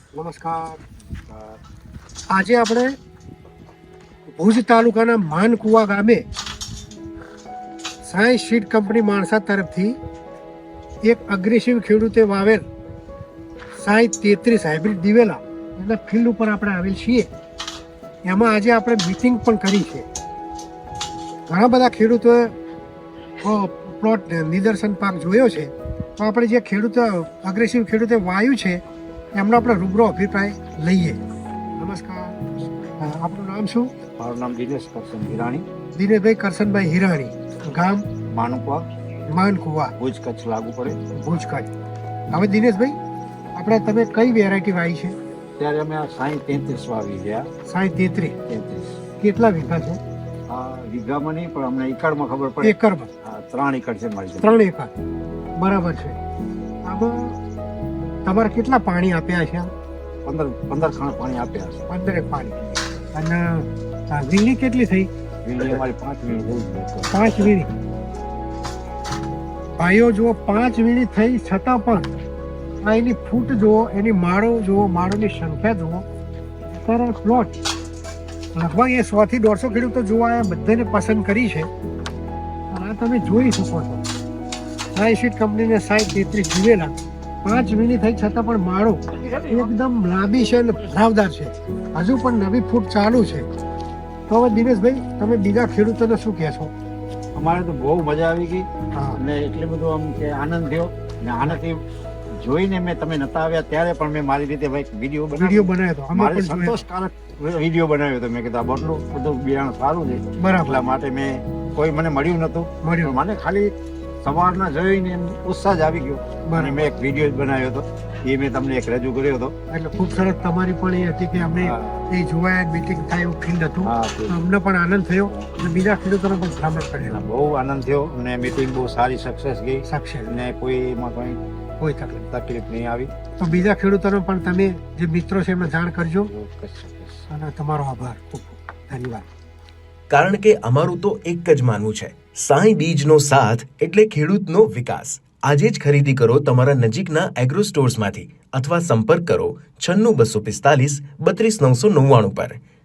નમસ્કાર. આજે આપણે ભુજ તાલુકાના માનકુવા ગામે સાયન્સ સીડ કંપની માણસા તરફથી એક અગ્રેસિવ ખેડૂતે વાવેલ 33 હાઇબ્રિડ દિવેલા એના ફિલ્ડ ઉપર આપણે આવેલ છીએ. એમાં આજે આપણે મીટિંગ પણ કરી છે. ઘણા બધા ખેડૂતોએ પ્લોટ નિદર્શન પાક જોયો છે, તો આપણે જે અગ્રેસિવ ખેડૂતે વાવ્યું છે એમનો આપણે રૂબરૂ અભિપ્રાય લઈએ. નમસ્કાર, આપનું નામ શું? મારું નામ દિનેશ કરશન હિરાણી. દિનેશભાઈ કરશનભાઈ હિરાણી, ગામ માનકુવા, માનકુવા, ભુજ કચ્છ લાગુ પડે. ભુજ કચ્છ. હવે દિનેશભાઈ, આપણે તમે કઈ વેરાયટી વાવી છે? ત્યારે અમે આ 33 વાવી ગયા. 33. 33 કેટલા વીઘા છે? આ વીઘામાં નહીં, પણ અમને એકડમાં ખબર પડે. એકરમાં? 3 એકડ છે મારી. 3 એકર, બરાબર છે. આમાં તમારે કેટલા પાણી આપ્યા છે? 15 ખાણ પાણી આપ્યા છે. 15 પાણી. અને વીણી કેટલી થઈ? વીણી અમારી 5 વીણી થઈ. 5 વીણી. ભાઈઓ જુઓ, 5 વીણી થઈ છતાં પણ આ એની ફૂટ જુઓ, એની માળો જુઓ, માળોની સંખ્યા જુઓ. અત્યારે પ્લોટ લગભગ એ 100 થી 150 ખેડૂતો જોવા આવ્યા, બધાને પસંદ કરી છે. અને આ તમે જોઈ શકો છો, સાયન્સ સીડ કંપનીને 33 દિવેલા 5 વીણી થઈ છતાં પણ માળો એકદમ લાંબી છે અને ભરાવદાર છે. હજુ પણ નવી ફૂટ ચાલુ છે. તો હવે દિનેશભાઈ, તમે બીજા ખેડૂતોને શું કહેશો? અમારે તો બહુ મજા આવી ગઈ હા. અને એટલે બધું આમ કે આનંદ થયો. અને આનાથી જોઈને તમે નતા આવ્યા ત્યારે પણ મેં મારી રીતે ભાઈ વિડીયો બનાવ્યો હતો. અમે મારે પણ જોયો. સંતોષકારક વિડીયો બનાવ્યો હતો. મેં કીધું આ બટલું બધું બિયારણ સારું છે, બરાબર. એટલા માટે મેં કોઈ મને મળ્યું નતું. મળ્યું. મને ખાલી સવારના જોઈને એમ ઉત્સાહ જ આવી ગયો. બરાબર. અને મેં એક વિડીયો બનાવ્યો હતો, એ મેં તમને એક રજૂ કર્યો હતો. એટલે ખૂબ સરસ. તમારી પણ એ હતી કે અમને હા. એ જોવાય, મીટિંગ થાય એવું ફીલ હતું. હા, તો અમને પણ આનંદ થયો અને બીજા ખેડૂતોને પણ ભલામણ કરેલા. બહુ આનંદ થયો અને મીટિંગ બહુ સારી સક્સેસ ગઈ સાક્ષી અને કોઈ એમાં કોઈ કોઈ તકલીફ. તકલીફ નહીં આવી. તો બીજા ખેડૂતોને પણ તમે જે મિત્રો છે એમને જાણ કરજો. ચોક્કસ. અને તમારો આભાર. ખૂબ ખૂબ ધન્યવાદ. કારણ કે અમારું તો એક જ માનવું છે, સાંઈ બીજનો સાથ એટલે ખેડૂતનો વિકાસ. આજે જ ખરીદી કરો તમારા નજીકના એગ્રો સ્ટોર્સમાંથી અથવા સંપર્ક કરો 96 245 32 999 પર.